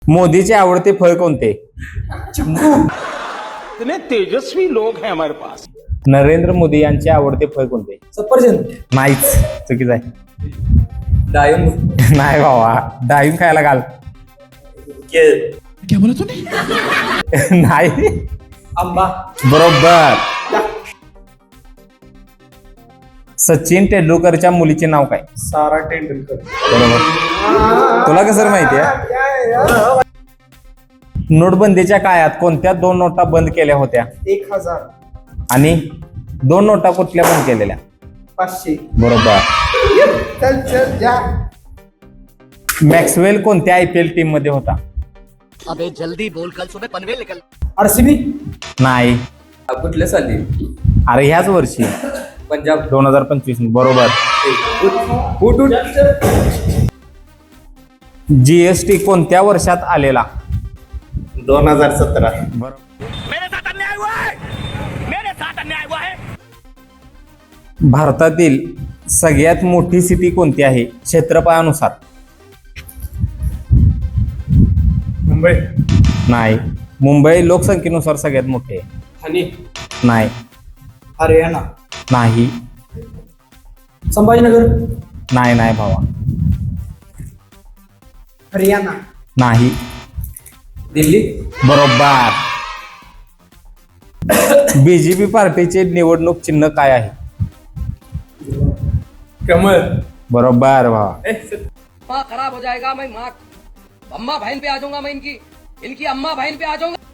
मोदीचे आवडते फळ कोणते? इतने तेजस्वी लोग हैं हमारे पास. नरेंद्र मोदी यांचे आवडते फळ कोणते? सफरचंद. नाहीच, चुकीचं आहे. डाळिंब. नाही बाबा, डाळिंब खायला घाल. केळ. नाही. आंबा. बरोबर. सचिन तेंडुलकरच्या मुलीचे नाव काय? सारा तेंडुलकर. बरोबर. तुला कसं माहिती आहे? नोटबंदीच्या काळात कोणत्या 2 नोटा बंद केल्या होत्या? 1000. आणि 2 नोटा कुठल्या बंद केलेल्या? 500. बरोबर. चल जा. मॅक्सवेल कोणत्या IPL टीम मध्ये होता? अबे जल्दी बोल, कल सुबह पनवेल निकल. आरसीबी. नाही. कुठल्या साली? अरे ह्याच वर्षी पंजाब. 2025. बरोबर. उठ. GST कोणत्या वर्षात आलेला? 2017. मेरे साथ अन्याय हुआ है, मेरे साथ अन्याय हुआ है. भारतातील सगळ्यात मोठी सिटी कोणती आहे क्षेत्रफळानुसार? मुंबई. नाही. मुंबई लोकसंख्येनुसार सगळ्यात मोठी आहे. ठाणे. नाही. हरियाणा. नाही. संभाजीनगर. नाही भावा. हरियाणा. नाही. दिल्ली. बरोबर. BJP पार्टीचे निवडणूक चिन्ह काय आहे? कमळ. बरोबर भावा. माँ खराब हो जाएगा, मैं माँ अम्मा बहन पे आ जाऊंगा, मैं इनकी अम्मा बहन पे आ जाऊंगा.